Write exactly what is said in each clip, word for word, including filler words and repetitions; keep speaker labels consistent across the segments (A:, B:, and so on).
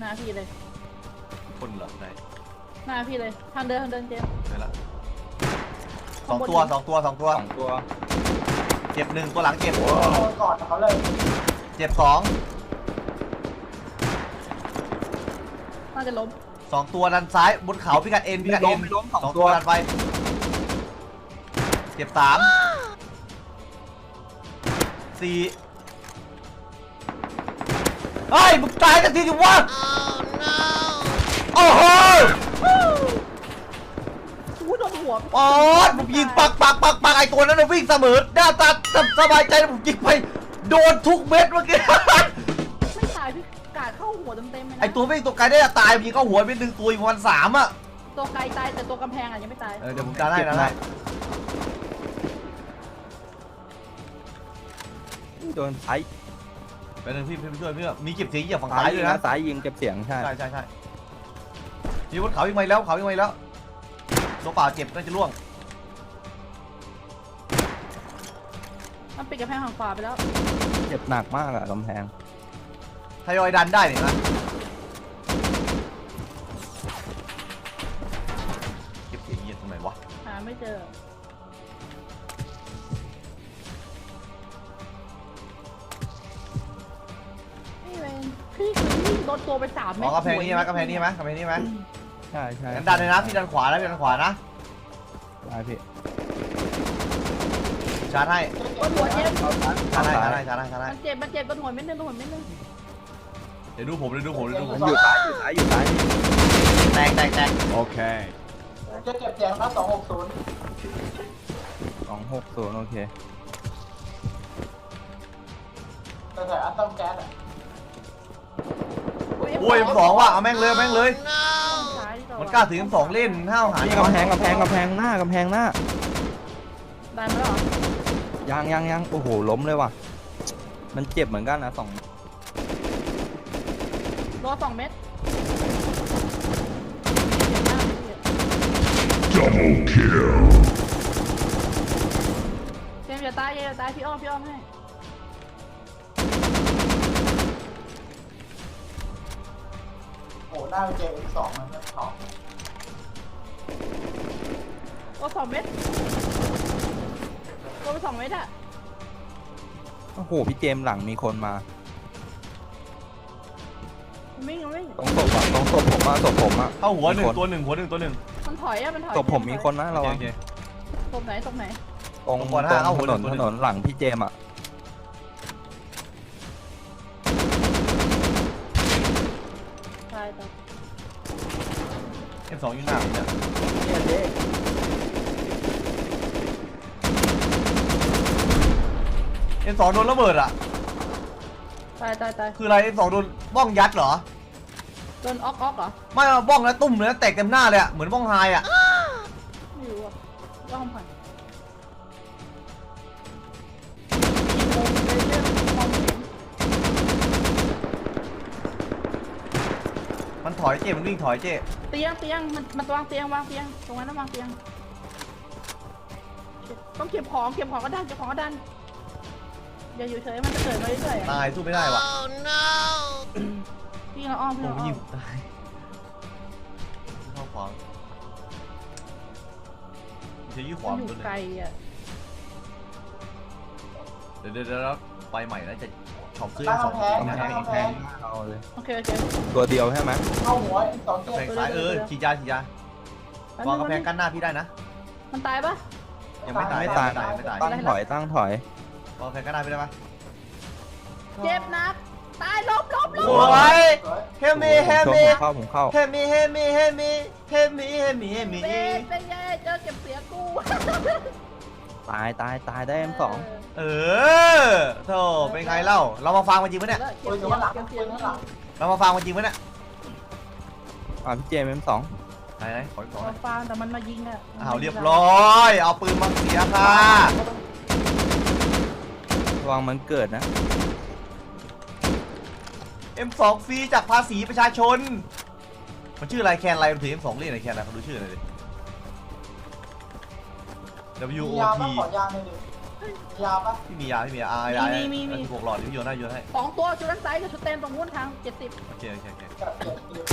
A: น้าพี่เลย
B: คนเหรอไหน
A: หน้าพี่เลยทางเดินทางเดินเจม
B: ไปละสองตัวสองตัวสองตัว
C: สองตัว
B: เจ็บหนึ่งตัวหลังเจ็บ
D: ก่อนเขาเลย
B: เจ็บสอง
A: น่าจะล้ม
B: สองตัวด้านซ้ายบนเขาพิกัดเอ็นพิกัดเอ็นสองตัวดันไปเจ็บสามสี่เฮ้ยมึงตายกันทีดิวะโอ้โห
A: อู้โดนหัว
B: อ๋อผมยิงปักปักปักปักไอตัวนั้นวิ่งเสมอหน้าตาสบายใจผมยิงไปโดนทุกเม็ดเมื่อกี้
A: ไม่ตายพี่กาดเข้าหัวเต็มเต็มเลยนะ
B: ไอตัววิ่งตัวไกลได้ตายยิงเข้าหัวเป็นหนึ่งตัวอีกวันสามอ่ะ
A: ตัวไกลตายแต่ตัวกำแพงอ่ะยังไม่ตาย
B: เออเดี๋ยวผมจะได้นะได้
C: โดนไอ้
B: ไปหนึ่งพี่พี่ช่วยพี่มีเก็บเสียงเหยียบฝั่งซ้ายด้วยนะ
C: ซ้ายยิงเก็บเสียงใช่
B: ใช่ใช่ใช่มีบนเขาวิ่งไปแล้วเขาวิ่งไปแล้วตัวเปล่าเจ็บน่าจะล่วง
A: มันปิดกำแพงฝั่งขวาไปแล้ว
C: เจ็บหนักมากอะกำแพง
B: ทยอยดันได้เนี่ยนะเก็บเสียงเหยียบตรงไหนวะ
A: หาไม่เจอนี่เองพี่คือโดนตัวไปสามเมตร
B: อ๋อกำแพงนี้ไหมกำแพงนี้ไหมกำแพงนี้ไหม
C: ใช่ใช่
B: ดันเลยนะพี่ดันขวาแล้วพี่ดันขวานะ
C: ได้พี่
B: ชาร์จให้
A: ตัวหัวเจ็บ
B: ชาร์จให้ชาร์จให้ชาร์จให้ชาร์จให้
A: มันเจ็บมันเจ็บตัวหัวเม็ดนึงตัวหัวเม็ดนึง
B: เดี๋ยวดูผมเดี๋ยวดูผมเดี๋ยวดูผม
C: อยู่ซ้ายอยู่ซ้ายอยู่ซ้าย
B: แตกแตกแตก
C: โอเค
D: จะเก็บเสียงครับสองหกศูนย์
C: สองหกศูนย์โอเค
D: แต่แต่อัตต้มแก๊สอ่ะ
B: โอ้ยสองว่ะเอาแม่งเลยแม่งเลยมันกล้าถึงสองเล่นห้าวหา
C: นี่กำแพงกำแพงกำแพงหน้ากำแพงหน้า
A: ได้ไหมล่ะ
C: ยังยังยังโอ้โหล้มเลยว่ะมันเจ็บเหมือนกันนะสอง
A: รอสองเม็ด
E: Double kill
A: เจมส์อย่าตายอย่าตายพี่อ้อมพี่อ้อมให้
D: โอ้หน้าเป็นเจมสองมันสอง
A: รอสองเม็ดรอไปสองเม็ดอะ
C: โอ้โหพี่เจมหลังมีคนมา
A: วิ่งวิ่ง
C: ตรงศพอะตรงศพผมอะศพผมอะ
B: เข้าหัวหนึ่งตัวหนึ่งหัวหนึ่งตัวหนึ่ง
A: มันถอยอะมันถอย
C: ศพผมมีคนนะเรา
A: ศพไหนศพไหน
C: ตรงตรงถนนถนนหลังพี่เจมอะ
A: ใช่ต่อ
B: เอ็มสองยูน่าเนี่ยเอ็มสองโดนระเบิดอ่ะ
A: ตายตายตาย
B: คืออะไรเอ็มสองโดนบ้องยัดเหรอ
A: โดนออกออกเหรอ
B: ไม่บ้องแล้วตุ่มเลยแตกเต็มหน้าเลยอ่ะเหมือนบ้องไฮอ่ะ
A: ไม่รู้อ่ะว่าห้องผ่าน
B: มันถอยเจ๊มันวิ่งถอยเจ๊
A: เตียงเตียงมันมันวางเตียงวางเตียงตรงนั้นนะวางเตียงต้องเก็บของเก็บของก็ดันเก็บของก็ดันอย่าอยู่เฉยมันจะเกิดมาเรื่อย
B: ๆตายสู้ไม่ได้ว่ะ
A: พี่เราอ้อมพี่เราอ้อม
B: ตายเข้าขวางจะยื้อขวาง
A: อยู่ไกลอ่ะ
B: เดี๋ยวเดี๋ยวไปใหม่แล้วจะช็อปซื้อสองแพงแพง
C: เอาเลย
A: โอเคโอเค
C: ตัวเดียวใช่ไหม
D: เข้าหัวสอง
B: แพงซ้ายเออฉีดยาฉีดยาวางกระแพงกั้นหน้าพี่ได้นะ
A: มันตายปะ
B: ยังไม่ตาย
C: ไม่ตายไม่ตายตั้งถอยตั้งถอยว
B: างกระแพงกั้นหน้าพี่ได้ปะ
A: เจ็บนักตายลบลบลบ
B: โอ้ยเฮมิเฮมิ
C: เข้าผมเข้า
B: เฮมิเฮมิเฮมิเฮมิเฮมิเฮมิ
A: เป็นไงเจอเก็บเสียกู
C: ตายตายตายได้เอ็มสอง
B: เออโธ่เป็นไงเล่าเรามาฟังมันจริงปะเนี่ยเรามาฟังมันจริงปะเนี่ย
C: อ่าพี่เจมเอ็มสอง
B: ไหนไหนขอขอ
A: ฟังแต่มันมายิงอ่ะ
B: เอาเรียบร้อยเอาปืนมาเสียค่ะ
C: ระวังมันเกิดนะ
B: เอ็ม สอง ฟรีจากภาษีประชาชนมันชื่ออะไรแคนอะไรมันถือ เอ็ม สอง เล่นอะไรแคนอะไรเขาดูชื่ออะไรดิ ดับเบิลยู โอ ที
D: ขอยางเลยดิยาปะ
B: พี่มียาพี่มียาอ่า
A: มี
B: ยา
A: มีมีมี
B: หกหลอดที่โยนให้โยนให้
A: สองตัวชุดด้านซ้ายกับชุดเต็มตรงนู้นทางเจ็ดสิบ
B: โอเคโอเคโอเค
D: กับเจ็ดคิว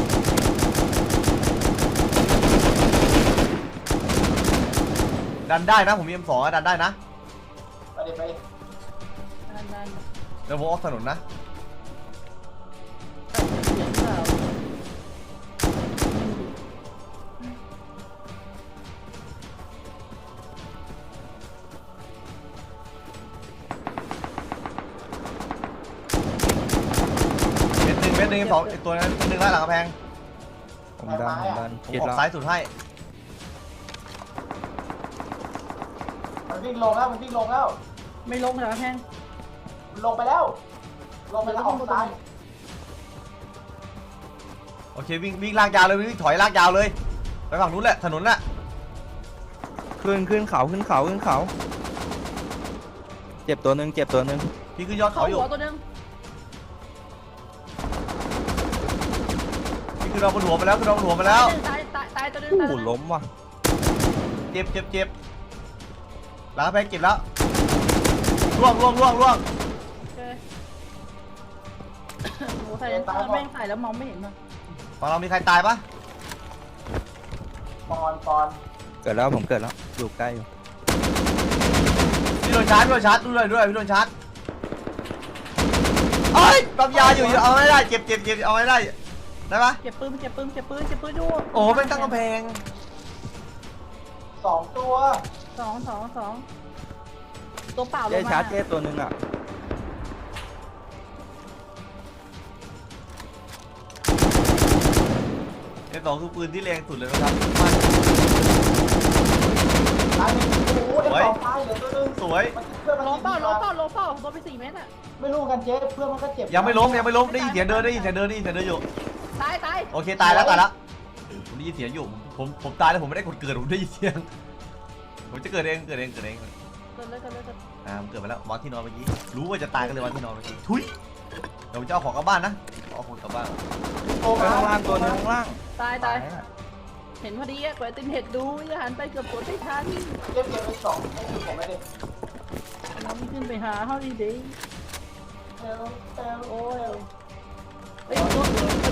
B: ดันได้นะผมมี เอ็ม สอง อะดันได้นะ
D: ไปดิไปดิ
A: นั่นนั่น
B: เดี๋ยวผมออกถนนนะ
A: เสียงเปล่า
B: เม็ดหนึ่งเม็ดหนึ่ง เอ็ม สอง อีกตัวนึงหนึ่งได้หลังกระแพง
C: ผมดันผมดัน
B: ผม
C: เจ็ด
B: ออก
C: แล้ว
B: ซ้ายสุดให้
D: มันวิ่งลงแล้วมันวิ่งลงแล้ว
A: ไม่ลงเหรอแพง
D: มันลงไปแล้ว ลงไปแล้วออกซ้าย
B: โอเควิ่งวิ่งลากยาวเลยวิ่งถอยลากยาวเลยไปฝั่งนู้นแหละถนนน่ะ
C: ขึ้นขึ้นเขาขึ้นเขาขึ้นเขา เจ็บตัวหนึ่งเจ็บตัวหนึ่ง
B: พี่ขึ้นยอด
A: เข้า
B: เขาอยู่
A: หัวตัวนึง
B: พี่ขึ้นเราบนหัวไปแล้วขึ้นเราบนหัวไปแล้ว
A: ตายตายตายตัวนึง
C: โอ้
A: ตาย
C: โห
A: ตัวนึง
C: ล้มว่ะ
B: เจ็บเจ็บเจ็บหลังกระแพงเจ็บแล้วล่วงล่วงล่วงล่วง
A: โอเคโอ้ใส่แม่งใส่แล้วมองไม่เห็นเลย
B: ฝั่งเรามีใครตายปะ
D: ปอนปอน
C: เกิดแล้วผมเกิดแล้วอยู่ใกล้อยู่
B: พี่โดนชาร์จพี่โดนชาร์จด้วยด้วยพี่โดนชาร์จเอ้ยปั๊มยาอยู่เอาไม่ได้เจ็บเจ็บเจ็บเอาไม่ได้ได้ปะ
A: เจ็บปืนเจ็บปืนเจ็บปืนเจ็บปืนดู
B: โอ้โหเป็นตั้งกำแพง
D: สองตัว
A: สองสองสองตัวเปล่าล
C: เจ๊
A: งมา
C: ชาร์จเจ๊ตัวหนึ่งอ่ะ
B: เอ็ม สอง คือปืนที่แรงสุดเลยนะครับ
D: ตายหนึ่งโอ้โหเอ็มสองตายเหลือตัวหนึง
B: สวย
D: มันเพื่อนมัน
A: ล
D: ยิ
A: ง
D: ง
A: เปล่าล
D: มาง
A: เปล่าลงเปล่าโดนไปสี่เมตรอ่ะ
D: ไม่รู้กันเจ๊เพื่อนมันก็เจ็บ
B: ยังไม่ล้มยังไม่ล้มได้ยินเสียงเดินได้ยินเสียงเดินได้ยินเสียงเดินอยู่
A: ตายตาย
B: โอเคตายแล้วตายแล้วผมได้ยินเสียงอยู่ผมผมตายแล้วผมไม่ได้กดเกิดผมได้ยินเสียงผมจะเกิดเองเกิดเองเกิดเอง
A: เกิดเลยเกิดเลยเกิด
B: อ่าผมเกิดไปแล้ววางที่นอนเมื่อกี้รู้ว่าจะตายก็เลยวางที่นอนเมื่อกี้ทุยเดี๋ยวผมจะเอาของกลับบ้านนะเอาของกลับบ้าน
D: โอ้
C: ไปข้างล่างตัวหนึงข้างล่าง
A: ตายตาย
C: อะ
A: เห็นพอดีอะกว่าติมเห็ดดูอย่าหันไปเกือบกดไม่ทัน
D: เจ็บเจ็บไปสองไม่ถูกผมไม่ได้
A: เราไม่ขึ้นไปหาเขาดีดี
D: เอลเอล
A: โอ้ยเฮ้ยตัว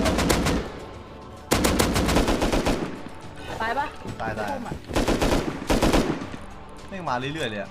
A: ตายปะ
B: ตายตาย
A: พุ่มอะ
B: แม่งมาเรื่อยๆเลยอะ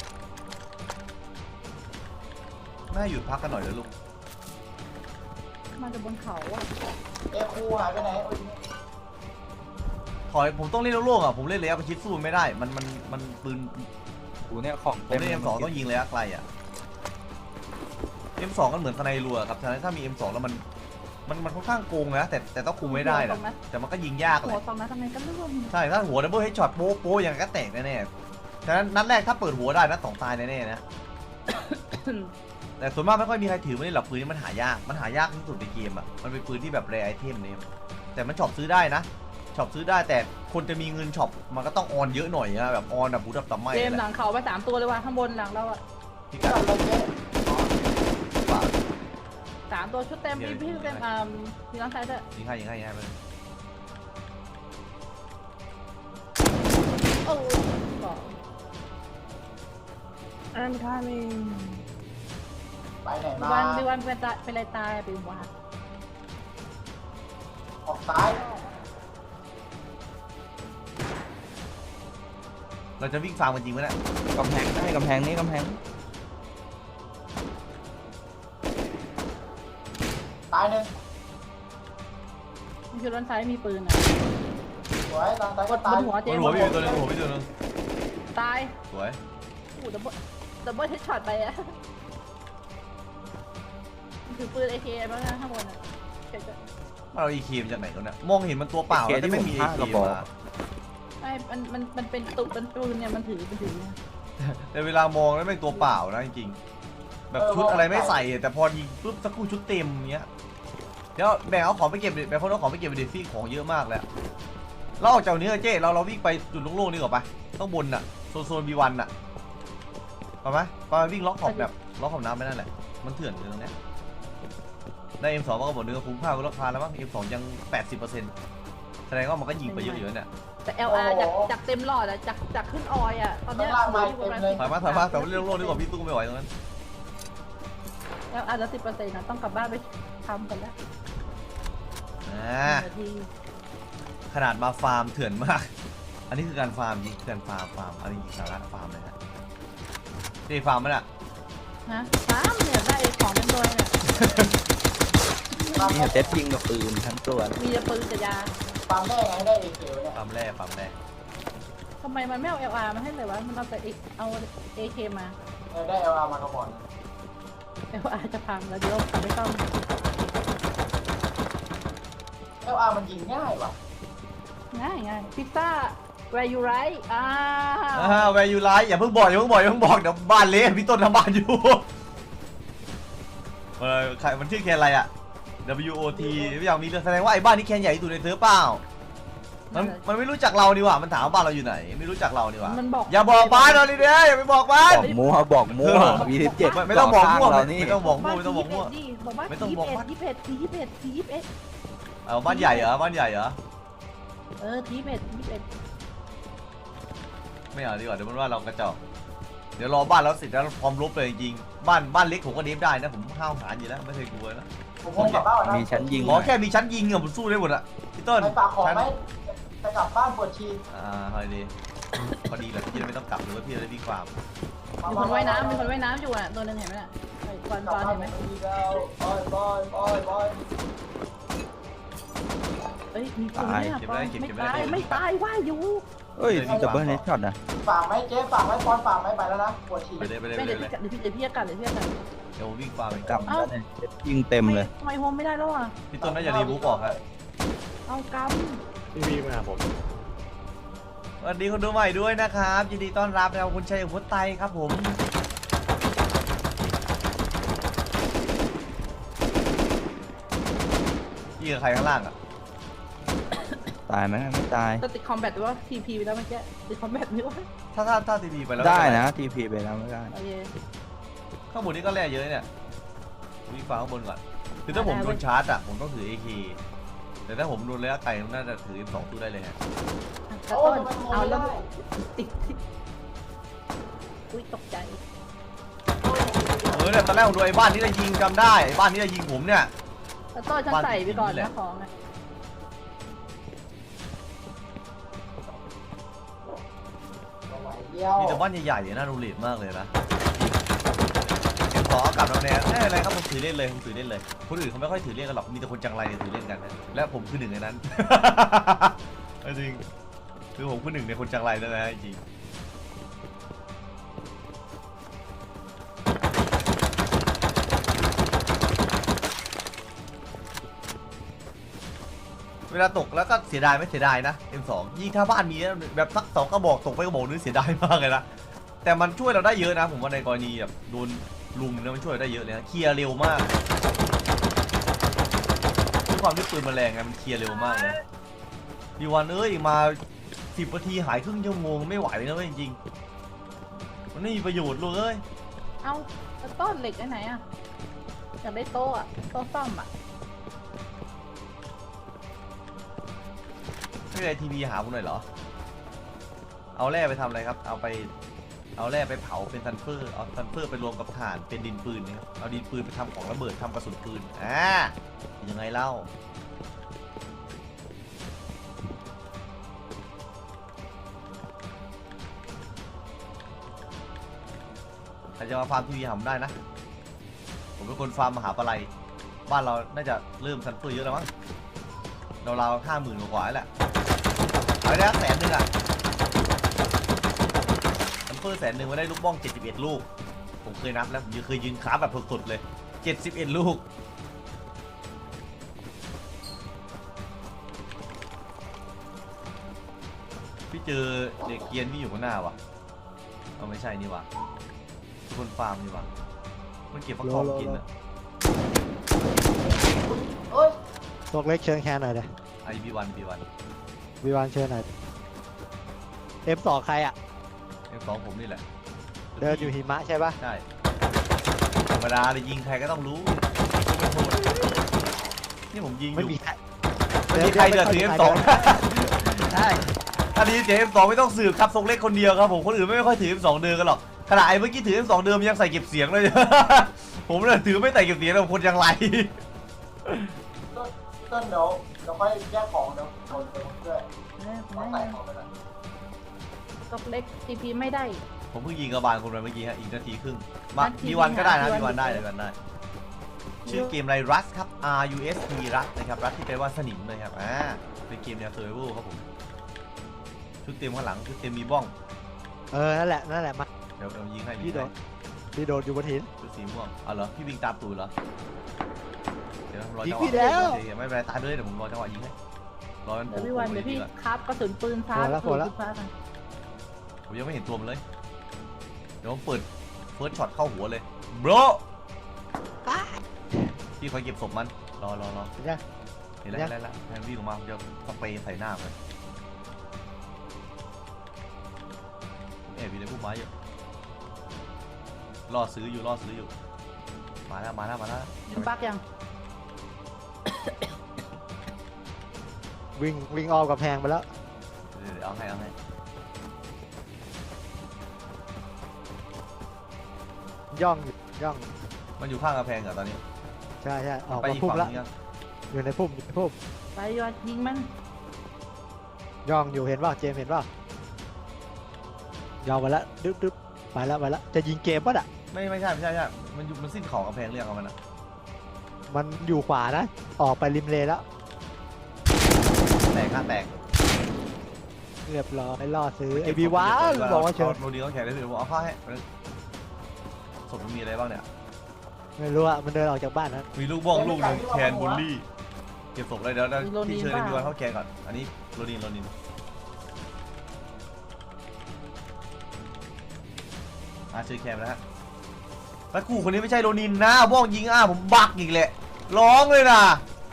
B: แม่หยุดพักกันหน่อยเลยลูก
A: มาจากบนเขาอะ
D: เอคูหายไปไหนโอ้ย
B: ถอยผมต้องเล่นโล่งๆอ่ะผมเล่นระยะประชิดสู้ไม่ได้มันมันมันปืน
C: กูเนี่ยของ
B: ผมเล่น เอ็ม สอง ต้องยิงระยะไกลอ่ะ เอ็ม สอง ก็เหมือนสไนรัวครับฉะนั้นถ้ามี เอ็ม สอง แล้วมันมันมันค่อนข้างโกงนะแต่แต่ต้องคุมไม่ได้นะแต่มันก็ยิงยากเล
A: หัวย สองนัดทำไมกันร่วม
B: ใช่ถ้าหัวดับเบิลเฮดช็อตโป๊ะโป๊ะยังไงก็แตกแน่ๆฉะนั้นนัดแรกถ้าเปิดหัวได้นัดสองตายแน่ๆนะแต่ส่วนมากไม่ค่อยมีใครถือมันเลยหรอกปืนนี้มันหายากมันหายากที่สุดในเกมอ่ะมันเป็นปืนที่แบบแรไอเทมเนี่ยแต่มันช็อปซื้อได้นะช็อปซื้อได้แต่คนจะมีเงินช็อปมันก็ต้องออนเยอะหน่อยนะแบบออนแบบบูดับตับไหม
A: เกม
B: แห
A: หลั
B: ละ
A: งเขาไปสามตัวเลยว่ะข้างบนหลังเราอะ
B: พี่
D: จั
B: กั
D: บ
B: ด
D: ลงเจ๊
B: ปาก
A: สามตัวชุดเต็มพี่พี่เต็มอ่ามีน้องชายด้วย
B: ยิงให้ยิงให้ยิงให้มัน
A: โอ้บอกอันนั้นท่านี่
D: ไปไหนมา
A: วันดีวันเป็นตายเป็นอะไรตายอะเป็นวัด
D: ออกซ้าย
B: เราจะวิ่งฟาร์มกันจริงไหมเนี่ย
C: กำแพงได้กำแพงนี้กำแพง
D: ตายหนึ่ง
A: มีชุดด้านซ้ายมีปืนอะ
D: สวยตายตาย
A: ก
D: ก็
A: ดบ
D: ตาย
A: นหัว
B: บ
A: เจ๊
B: นหัวพี่อยู่ตัวหนึงบนหัวพี่ตัวหนึง
A: ตาย
B: สวย
A: โอ้ดับเบิลดับเบิลเฮดช็อตไปอะถือปืนเอเคบ้างนะข้างบนอะเฉย
B: มันเอาอีเคมจากไหนตัวเนี่ยมองเห็นมันตัวเปล่าแล้วแต่ไม่มีเอเคมา
A: ๆไม่มันมันมันเป็นตุกเป็นปืนเนี่ยมันถือมันถือเนี่ย
B: แต่เวลามองแล้วเป็นตัวเปล่านะจริงๆแบบชุดอะไรไม่ใส่แต่พอยิงปุ๊บสักครู่ชุดเต็มเงี้ยเดี๋ยวแบ่งเอาของไปเก็บดิแบ่งคนเอาของไปเก็บไปดิฟี่ของเยอะมากแล้วเราออกจากนี้เจ๊เราเราวิ่งไปจุดโล่งๆนี่ก่อนไปต้องบนน่ะโซนโซนบีวันน่ะไปไหมไปวิ่งล็อกขอบแบบล็อกขอบน้ำไปนั่นแหละมันเถื่อนอยู่ตรงเนี้ยได้ เอ็ม สอง มันก็บอกเนื้อคุ้มค่าก็ราคาแล้วมั้ง เอ็ม สอง ยัง แปดสิบเปอร์เซ็นต์ แสดงว่ามันก็ยิงไปเยอะอยู่เนี่ย
A: แต่ แอล อาร์ จากจากเต็มหลอดอะจากจากขึ้นออยอะตอนเนี้ย
D: ข้างล่างมาเต็มเลย
B: ถอยมาถอยมาแต่ว่าเรื่องโลกนี่กว่าพี่ตู้ไม่ไหวตรงนั้น
A: แอล อาร์ แล้วสิบเปอร์เซ็นต์นะต้องกลับบ้านไปทำกันแล้ว
B: อ่า
A: นาที
B: ขนาดมาฟาร์มเถื่อนมาก อันนี้คือการฟาร์มจริงคือการฟาร์มฟาร์มอันนี้สาระฟาร์มเลยฮะนี่ฟาร์มมั้ยน่ะ
A: ฮะสามเนี่ยได้ของเป็นตัวเนี่ย
C: นี่เซ็ตยิงกับปืนทั้งตัว
A: มีแต่ปืนกับยา
D: ปั๊มได้ไงได้เอเคเนี่ย
B: ฟาร์มแร่ฟาร์มแร่
A: ทำไมมันไม่เอา แอล อาร์ มาให้เลยวะมันเอาแต่เอา เอ เค มา
D: เออได้เอลอาร์มากระบอก
A: แอล อาร์ จะพังแล้วเดี๋ยวกลับไม่ต้อง
D: เอลอาร์มันยิงง่ายว่ะ
A: ง่ายง่ายพิซซ่า where you right อ้าว
B: อ่าแวร์ยูไลท์อย่าเพิ่งบอกอย่าเพิ่งบอกอย่าเพิ่งบอกเดี๋ยวบ้านเละพี่ต้นทำบ้านอยู่เออใครมันชื่อแคนอะไรอะ W O T ไม่อยากมีเรื่องแสดงว่าไอ้บ้านนี้แคนใหญ่ที่สุดในเซิร์ฟเปล่ามันมันไม่รู้จักเราดีกว่ามันถามว่าบ้านเราอยู่ไหนไม่รู้จักเราดีกว่า
A: มันบอก
B: อย่าบอกบ้านเราดิเด้อย่าไปบอกบ้าน
C: บอกมั่วบอกมั่ววีสิบเจ็ด
B: ไม่ไม่ต้องบอกมั่ว
C: เรานี่
B: ไม่ต้องบอกมั่วไม่ต้องบอกมั่ว
A: ดิบอกว่า
B: ไม่ต้องบอกว่า
A: ยี่สิบเอ็ดยี่สิบเอ็ดยี่สิบเอ็ด
B: เอาบ้านใหญ่เหรอบ้านใหญ่เหรอ
A: เออยี่สิบเอ็ดยี่สิบเอ็ด
B: ไม่เอาดีกว่าเดี๋ยวมันว่าเรากระจอกเดี๋ยวรอบ้านแล้วเสร็จแล้วพร้อมรบเลยจริงๆบ้านบ้านเล็กผมก็เดฟได้นะผมห้าวหาญอยู่แล้วไม่เคยกลัวนะ
D: ผมคงกลับบ้านนะ
C: มีชั้นยิง
B: ขอแค่มีชั้นยิงอะผมสู้ได้หมดอะพี่ต้น
D: ไปฝากของ
B: ชั้น
D: ไหมจะกลับบ้านปวดชี
B: อ่าพอดีพอดีแหละพี่จะไม่ต้องกลับหรือว่าพี่จะได้วิ่งฟาร์ม
A: มีคนว่ายน้ำมีคนว่ายน้ำอยู่อ่ะตัวนึงเห็นไหมน่ะไอ้กวน
D: กลับ
A: กวน
D: บ้าน
A: เห็นไหม
D: ดีแล้วบอยบอยบอยบอย
A: เอ้ยมีคนเนี่ยกวนไม่ตายไม่ตายว่ายอยู่
C: เอ้ยดับเบิลเฮดช็อตนะ
D: ฝากไหมเจ๊ฝากไหมปอนฝากไหมไปแล้วนะปวดชี
B: ไปเลยไปเลย
A: ไม่
B: ไป
A: เดี๋ยว
B: เลย
A: พี่เดี๋ยวพี่เดี๋ยวพี่จะกลับเดี๋ยวพี่จะกลับ
B: เดี๋ยวผมวิ่งฟาร์มเอง
C: กลับมาเลยเซ็ตยิงเต็มเลย
A: ทำไมโฮมไม่ได้แล้วอ่ะ
B: พี่ต้นน่าจะรีบูฟออกครับ
A: เอาก
F: พี่วีมาหาผม
B: สวัสดีคนดูใหม่ด้วยนะครับยินดีต้อนรับนะครับคุณชัยพุทธไตครับผมพี่กับใครข้างล่างอะ
C: ตายไหมไม่ตาย
A: ำจะติดคอมแบทหรือว่าทีพีไปแล้วเมื่อกี้ติดคอมแบทนี่วะ
B: ถ้าถ้าถ้าทีวีไปแล้ว
C: ได้นะทีพีไปแล้วไม่ได้
A: โอเค
B: ข้างบนนี้ก็แร่เยอะเนี่ยวิ่งฟาร์มข้างบนก่อนคือถ้าผมโดนชาร์จอะผมต้องถือ เอ เค แต่ถ้าผมโดนระยะไกลผมน่าจะถือ เอ็ม สอง ตู้ได้เลยฮะ
A: กระ
D: โอ้
A: ต้
D: ย
A: น
D: มัน
A: เอา
D: เอา
A: แล้ว
D: ได้
A: ติดอุ้ยตกใจ
B: เออเนี่ยตอนแรกผมดูไอ้บ้านนี้จะยิงจำได้ไอ้บ้านนี้จะยิงผมเนี่ย
A: กระต้นฉันใส่ไปก่อนนะของอ่ะ
D: เดียว
B: มีแต่บ้านใหญ่ๆน่าดูเรทมากเลยนะขอกลับแล้วแน่ไม่อะไรครับผมถือเล่นเลยผมถือเล่นเลยคนอื่นเขาไม่ค่อยถือเล่นกันหรอกมีแต่คนจังไรถือเล่นกันนะและผมคือหนึ่งในนั้น จริงคือผมคือหนึ่งในคนจังไรนั่นนะจริงเวลาตกแล้วก็เสียดายไม่เสียดายนะ เอ็ม สอง ยิ่งถ้าบ้านมีแบบสักสองกระบอกตกไปกระบอกนึงเสียดายมากเลยนะแต่มันช่วยเราได้เยอะนะผมว่าในกรณีแบบโดนลุมเนี่ยมันช่วยเราได้เยอะเลยนะเคลียร์เร็วมากด้วยความที่ปืนมันแรงไงมันเคลียร์เร็วมากเลยดีวันเอ้ยมาสิบนาทีหายครึ่งชั่วโมงไม่ไหวเลยนะเว้ยจริงๆมันไม่มีประโยชน์เลย
A: เอากระต้นเหล็กไอ้ไหนอ่ะอยากได้โต๊ะอ่ะโต๊ะซ่อมอ่ะ
B: ไม่ได้ทีวีหาผมหน่อยเหรอเอาแร่ไปทำอะไรครับเอาไปเอาแร่ไปเผาเป็นซันเฟอร์เอาซันเฟอร์ไปรวมกับถ่านเป็นดินปืนนะครับเอาดินปืนไปทำของระเบิดทำกระสุนปืนอ่ายังไงเล่าใครจะมาฟาร์มทีวีหาผมได้นะผมเป็นคนฟาร์มมหาปลัยบ้านเราน่าจะเริ่มซันเฟอร์เยอะแล้วมั้งเราๆห้าหมื่นกว่าๆแหละเอาได้แสนหนึ่งอะซันเฟอร์แสนหนึ่งมาได้ลูกบ้องเจ็ดสิบเอ็ดลูกผมเคยนับแล้วผมเคยยืนคราฟแบบสดๆเลยเจ็ดสิบเอ็ดลูกพี่เจอเด็กเกียนที่อยู่ข้างหน้าวะเอาไม่ใช่นี่วะทุกคนฟาร์มนี่วะมันเก็บฟักทองกินอะ
D: เอ้ย
F: พวกเล็กเชิญแคนหน่อยเด้
B: ไอบีวันบีวัน
F: วีวานเชิญหน่อยเอฟสองใครอ่ะ
B: เอ็มสองผมนี่แหละ
F: เดินอยู่หิมะใช่ปะ
B: ใช่ธรรมดาเลยยิงใครก็ต้องรู้นี่ผมยิงอ
F: ไม่
B: ยู่
F: มีใคร
B: ไม่มีใครเดือดถือ เอ็ม สอง
F: ใช่
B: อันนี้เสียง เอ็ม สอง ไม่ต้องสืบครับทรงเล็กคนเดียวครับผมคนอื่นไม่ค่อยถือ เอ็ม สอง เดินกันหรอกขณะไอ้เมื่อกี้ถือ เอ็ม สอง เดิมยังใส่เก็บเสียงเลย ผมเลยถือไม่ใส่เก็บเสียงแล้วคนยังไร
D: ต้นต้นเดี๋ยวเดี๋ยวค่อยแยกของเดี๋ยวโดนเต็มด้วย
A: เออ
D: ต้องใส่ของไปแล้ว
A: ตกเล็กทีพีไม่ได้
B: ผมเพิ่งยิงกระบาลคนไปเมื่อกี้ฮะอีกนาทีครึ่งมา
A: นาที
B: มีวันก็ได้นะ
A: มีวัน
B: มีวันได้เลยวันได้ ชื่อเกมอะไร Rust ครับ R U S T Rust นะครับ Rust ที่แปลว่าสนิมเลยครับอ่าเป็นเกมแนว Survival ครับผมชุดเต็มข้างหลังชุดเต็มมีบ้อง
F: เออ นั่นแหละ นั่นแหละ มา
B: เดี๋ยวเรายิงให้
F: พี่
B: ยิง
F: โด
B: ให้
F: ดพี่โดดอยู่บนหิน
B: ชุดสีม่วงเอาเหรอพี่วิ่งตามตูดเหรอเดี๋ยวรอ
F: ยิ
B: จั
F: ง
B: งห
F: พี่
B: วะ
F: แล้ว
B: เดี๋ยวไม่เป็นไรตายไปเลยเดี๋ยวผมรอจังหวะยิงให้รอมันโผ
A: เดี๋
B: ล่
A: ยวพี่วันเดี๋ยวพี่
B: ก่อน
A: ครับกระสุนปืนฟ้า
F: พอแล้ว
A: กระสุน
F: พอแล้ว
A: ปืนฟ้ากัน
B: ผมยังไม่เห็นตัวมันเลยเดี๋ยวผมเปิดเฟิร์สช็อตเข้าหัวเลยโบรพี่คอยเก็บศพมันรอรอรอ
F: เห็นยัง
B: เห็นแล้วเห็นแล้วเห็นแล้วแทนวิ่งออกมาผมจะสเปรย์ใส่หน้ามันแอบอยู่ในพุ่มไม้อยู่ล่อซื้ออยู่ล่อซื้ออยู่มาแล้วมาแล้วมาแล้ว
A: ยิงปักยัง
F: วิ่งวิ่งอ้อมกับแพงไปแล้ว
B: เดี๋ยวเดี๋ยวเอาให้เอาให้
F: ย่องอยู่ย่อง
B: มันอยู่ข้างกระแพงเหรอตอนนี้
F: ใช่ใช่ออก
B: ไป
F: มา
B: อีก
F: พุ่ม
B: ฝั่ง
F: แล้ว
B: นึงยัง
F: อยู่ในพุ่มอยู่ในพุ่ม
A: ไปยอดยิงมัน
F: ย่องอยู่เห็นป่ะเจมส์เห็นป่ะย่องไปแล้วดึ๊บดึ๊บไปแล้วไปแล้วจะยิงเกมป่ะอ่ะ
B: ไม่ไม่ใช่ไม่ใช่ไม่ใช่มันอยู่มันสิ้นของกระแพงเรียกเอามันอะ
F: มันอยู่ขวานะ ออกไปริมเลแล้ว
B: แตกข้างแตก
F: เรียบร้อยล่อซื้อไอบีว้าวบอกว่าเชิญ
B: โรดีเขาแขนได้เลยผมเอาข้าให้ศพมันมีอะไรบ้างเนี่ย
F: ไม่รู้อะมันเดินออกจากบ้านนะ
B: มีลูกบ้องลูกหนึ่งแคนบุลลี่เก็บศพเลยเดี๋ยวเดี๋ยวที่เชิญมีวันเข้าแคนก่อนอันนี้โรดินโรดินอ่ะชื่อแคนแล้วฮะแล้วกูคนนี้ไม่ใช่โรนินนะบ้องยิงอ้าผมบักอีกแหละร้องเลยนะ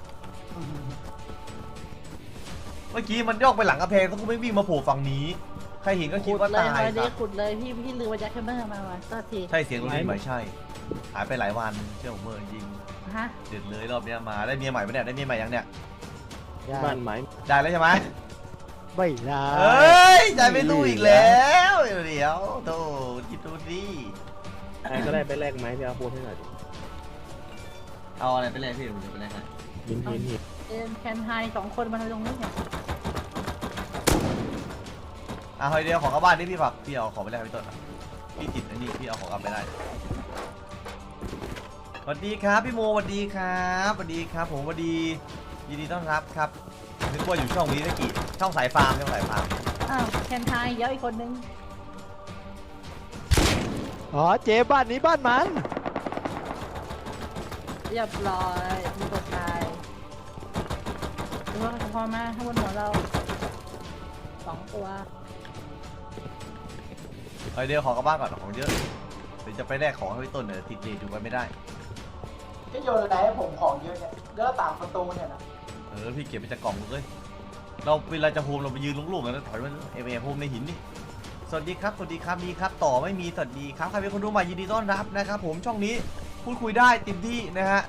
B: เมื่อกี้มันย่องไปหลังกระแพงแล้วกูไม่วิ่งมาโผล่ฝั่งนี้ใครเห็นก็คิด
A: ขุด
B: ว่า
A: เลย
B: ตาย
A: วัน
B: ค
A: นี้
B: รับ
A: ขุดเลยพี่พี่ลืมว่าแจ็คแคมเบอร์มาว่ะก็ที
B: ใช่เสียงโรนินไหมใช่หายไปหลายวันเชื่อผมเมื่อจริง
A: ฮะ
B: เด็ดเลยรอบเนี้ยมาได้เมียใหม่ปะเนี่ยได้เมียใหม่ยังเนี่ย
F: บ้านไหม
B: ได้แล้วใช่ไหม
F: ไม่ได้
B: เอ้ยใจไม่รู้อีกแล้วเดี๋ยวโธ่คิดดูดิ
G: ใครก็ได้ไปแลกไม้พี่อาพูดให้หน่อยดิ
B: เอาอะไรไปแลกพี่ผมจะไปแลกให้
G: หินหินหิน
A: เอ็มแคนไฮสองคนมาทำตรงนี้เนี่ย
B: อ่ะเฮ้ยเดียวของกลับบ้านนี่พี่ฝากพี่เอาของไปแลกพี่ต้นอ่ะพี่ติดอันนี้พี่เอาของกลับไปได้สวัสดีครับพี่โมสวัสดีครับสวัสดีครับผมสวัสดียินดีต้อนรับครับนึกว่าอยู่ช่องนี้ตะกี้ช่องสายฟาร์มช่องสายฟาร์ม
A: อ้าวแคนไฮเยอะอีกคนนึง
F: อ๋อเจบ้านนี้บ้านมัน
A: เรียบร้อยมีตัวตายดูว่าพอมาข้างบนหัวเราสองตัว
B: เฮ้ยเดียวของกลับบ้านก่อนของเยอะเดี๋ยวจะไปแลกของให้พี่ต้นเนี่ยติดเลทอยู่ไปไม่ได้
D: ที่โยนอะไรให้ผมของเยอะเนี่ยเลือกต่างประตูเนี่ยนะ
B: เออพี่เก็บไปจากกล่องเลยเราเวลาจะโฮมเราไปยืนลุ่งๆกันแล้วถอยมันเอเอโฮมในหินนี่สวัสดีครับสวัสดีครับมีครับต่อไม่มีสวัสดีครับใครเป็นคนดูใหม่ยินดีต้อนรับนะครับผมช่องนี้พูดคุยได้เต็มที่นะฮะ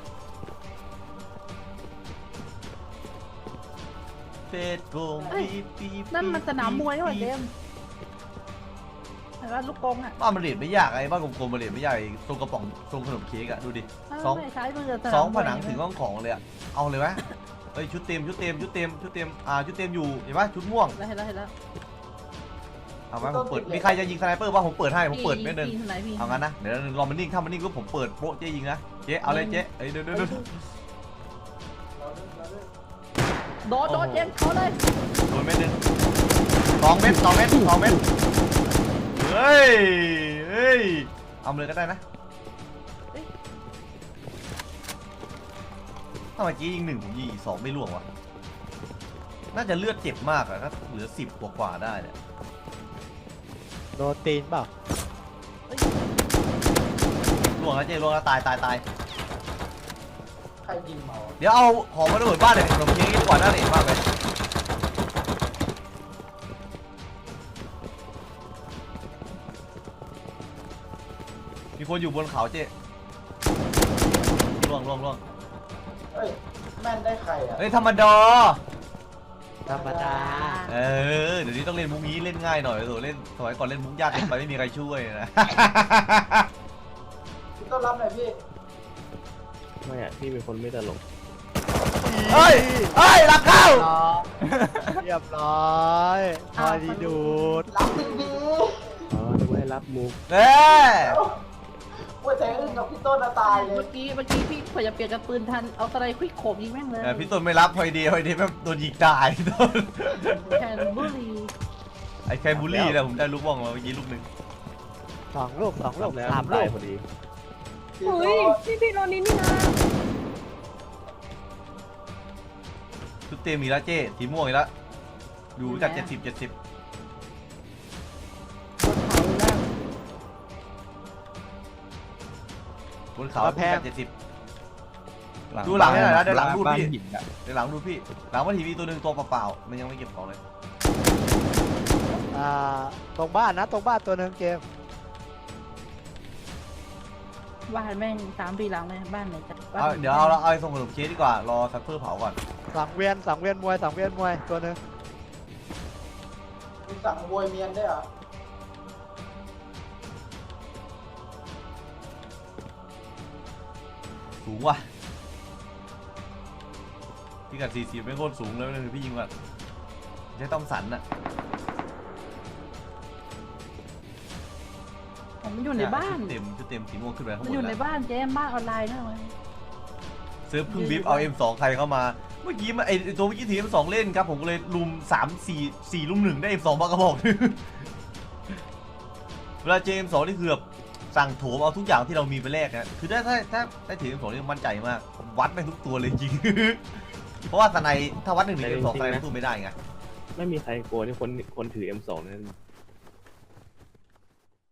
B: เฟซบุ๊กปีปี
A: นั่นมันสนามมวยนี่หว่าเจมส์เห็นว่าลูกกงอ่ะ
B: บ้านมันเรียนไม่ยากไอ้บ้านกลมๆมันเรียนไม่ยากไอ้ทรงกระป๋องทรงขนมเค้กอะดูดิ สอง
A: ไม่ใช้มือส
B: ส
A: นา
B: อ
A: ม
B: ง
A: ม
B: ผ
A: วย
B: นังถึงห้องของเลยอะเอาเลยไหมเอ้ยชุดเต็มชุดเต็มชุดเต็มชุดเต็มอ่าชุดเต็มอยู่เห็นปะชุดม่วง
A: เห็นแล้วเห็นแล้ว
B: เอาไหมผมเปิดมีใครจะยิงสไนเปอร์ป่ะผมเปิดให้ผมเปิดไม่เดิน
A: พี่ไหนพี่
B: เอางั้นนะเดี๋ยวรอมันนิ่งถ้ามันนิ่งก็ผมเปิดโป๊ะเจ๊ยิงนะเจ๊เอาเลยเจ๊เอ้ยเดี๋ยวเดี๋ยวเดี๋ยว
D: เราเลือกเราเลือก
A: โดดโดดเจมส์เขาเลย
B: โดนเม็ดหนึงสองเม็ดสองเม็ดสองเม็ดเฮ้ยเฮ้ยเอาเลยก็ได้นะถ้าเมื่อกี้ยิงหนึ่งผมยิงอีกสองไม่ล่วงวะน่าจะเลือดเจ็บมากอะถ้าเหลือสิบกว่าๆได้เนี่ย
F: โดนตีนเปล่า
B: ล่วงแล้วเจ๊ล่วงแล้วตายตายตาย
D: ใครยิงเมา
B: เดี๋ยวเอาของมาระเบิดบ้านเลยขนมเค้กดีกว่าน่าเด็ดมากเลยมีคนอยู่บนเขาเจ๊ล่วงล่วงล่วง
D: เอ้ยแม่นได้ใครอ่ะ
B: เฮ้ยธรรมดา
D: ธ
F: ธรรมดา
B: เออเดี๋ยวนี้ต้องเล่นมุกนี้เล่นง่ายหน่อยโถเล่นสมัยก่อนเล่นมุกยากเกินไปไม่มีใครช่วยนะ
D: พี่ต้นรับหน่อยพี่
G: ไม่อะพี่เป็นคนไม่ตลก
B: เฮ้ยเฮ้ยหลักเข้า
F: เรียบร้อยพอดีดูด
D: รับจริงดี
G: อ๋อนึกว่าให้รับมุก
B: เอ้ย
D: ว่าแต่อึ้งกับพี่ต้นน่ะตายเลย
A: เมื่อกี้เมื่อกี้พี่เผื่อจะเปลี่ยนกระปืนทันเอาตะไลควิกโขบยิงแม่งเลย
B: เออพี่ต้นไม่รับพอดีพอดีแม่งโดนยิงตายพี่ต้น
A: แคนบุรี
B: ไอ้แค่บูลลี่นะผมได้ลูกบ้องมาเมื่อกี้ลูกหนึ่ง
F: สองลูกสองลูก
G: แล้ว
F: สามลู
G: ตาย
F: ก
G: พอดี
D: พี่
A: เฮ้
D: ต้
A: ย
D: น
A: พี่พี่โรนินนี่นะ
B: ชุดเต็มอีกแล้วเจ้สีม่วงอีกแล้วดูจากเจ็ดสิบเจ็ดสิบ บนเขาพี่จากเจ็ดสิบ ดูหลังให้หน่อยนะเดี๋ยวหลังรูด
C: บ้าน
B: พี่
C: หินอะ
B: เดี๋ยวหลังดูพี่หลังว่าทีวีตัวหนึ่งตัวเปล่าๆมันยังไม่เก็บของเลย
F: อ่าตรงบ้านนะตรงบ้านตัวหนึ่งเกม
A: บ้านแม่งสามปีหลังเลยบ้านไหนจะบ้าน
B: เอา
A: ไหน
B: เดี๋ยวเอาเราเอาไอ้ส่งขนมเค้กดีกว่ารอซัพเฟอร์เผาก่อน
F: สังเวียนสังเวียนมวยสังเวียนมวยตัวหนึ่ง
D: มีสั่งมวยเมียนด้วยเหรอ
B: สูงว่ะพี่กัดสี่สิบไม่โคตรสูงเลยนะพี่ยิงก่อนใช้ต้องสันอะ
A: ผมมันอยู่ในบ้าน
B: ชุดเต็มชุดเต็มสีม่วงขึ้นไปข้าง
A: มัน
B: บ
A: อยู่
B: น
A: ใน
B: แล้ว
A: บ้านเจ๊บ้านออนไลน์นะมัน
B: ซื้อเพึ่งบิฟเอา เอ็ม สอง ใครเข้ามาเมื่อกี้มาไอตัวเมื่อกี้ถือ เอ็ม สอง เล่นครับผมก็เลยลุมสามสี่สี่ลุมหนึ่งได้ เอ็ม สอง มากระบอก เวลาเจอ เอ็ม สอง นี่คือแบบสั่งโถมเอาทุกอย่างที่เรามีไปแลกนะคือถ้าถ้าถ้าได้ถือ เอ็ม สอง นี่มั่นใจมากวัดไปทุกตัวเลยจริง เพราะว่าสไนถ้าวัดหนึ่งหนึ่ง เอ็ม สอง สไนมันสู้ไม่ได้ไง
G: ไม่มีใครโกลัวที่คนคนถือ เอ็ม สอง นั่น